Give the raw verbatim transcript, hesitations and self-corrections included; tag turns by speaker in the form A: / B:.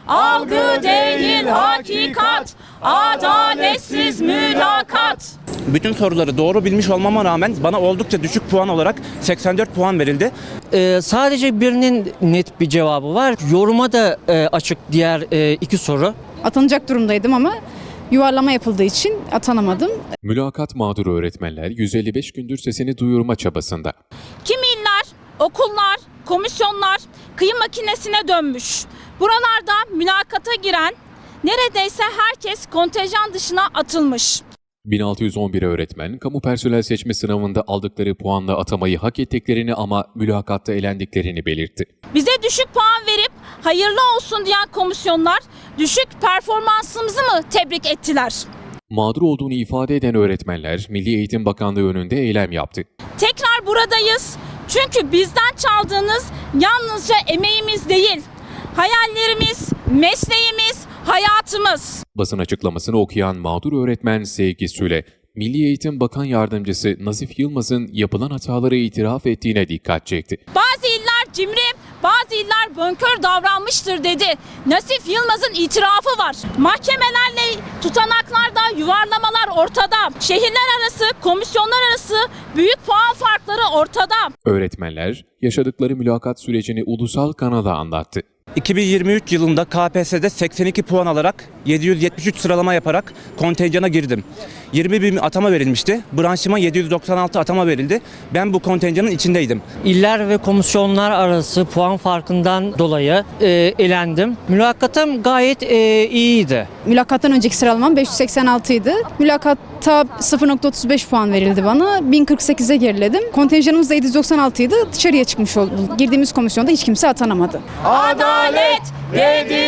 A: algı değil hakikat, adaletsiz mülakat.
B: Bütün soruları doğru bilmiş olmama rağmen bana oldukça düşük puan olarak seksen dört puan verildi.
C: Ee, sadece birinin net bir cevabı var. Yoruma da e, açık diğer e, iki soru.
D: Atanacak durumdaydım ama yuvarlama yapıldığı için atanamadım.
E: Mülakat mağduru öğretmenler yüz elli beş gündür sesini duyurma çabasında.
A: Kimi iller, okullar, komisyonlar kıyım makinesine dönmüş. Buralarda mülakata giren neredeyse herkes kontenjan dışına atılmış.
E: bin altı yüz on bir öğretmen, kamu personel seçme sınavında aldıkları puanla atamayı hak ettiklerini ama mülakatta elendiklerini belirtti.
A: Bize düşük puan verip hayırlı olsun diyen komisyonlar düşük performansımızı mı tebrik ettiler?
E: Mağdur olduğunu ifade eden öğretmenler, Milli Eğitim Bakanlığı önünde eylem yaptı.
A: Tekrar buradayız. Çünkü bizden çaldığınız yalnızca emeğimiz değil, hayallerimiz, mesleğimiz, hayatımız.
E: Basın açıklamasını okuyan mağdur öğretmen Sevgi Süle, Milli Eğitim Bakan Yardımcısı Nazif Yılmaz'ın yapılan hataları itiraf ettiğine dikkat çekti.
A: Bazı iller cimri, bazı iller bonkör davranmıştır dedi. Nazif Yılmaz'ın itirafı var. Mahkemelerle tutanaklarda yuvarlamalar ortada. Şehirler arası, komisyonlar arası büyük puan farkları ortada.
E: Öğretmenler, yaşadıkları mülakat sürecini ulusal kanala anlattı.
B: iki bin yirmi üç yılında K P S S'de seksen iki puan alarak yedi yüz yetmiş üç sıralama yaparak kontenjana girdim. yirmi bin atama verilmişti. Branşıma yedi yüz doksan altı atama verildi. Ben bu kontenjanın içindeydim.
C: İller ve komisyonlar arası puan farkından dolayı e, elendim. Mülakatım gayet e, iyiydi.
D: Mülakattan önceki sıralamam beş yüz seksen altı idi. Mülakatta sıfır nokta otuz beş puan verildi bana. bin kırk sekize geriledim. Kontenjanımız da yedi yüz doksan altı idi. Dışarıya çıkmış oldum. Girdiğimiz komisyonda hiç kimse atanamadı.
A: Adalet dedi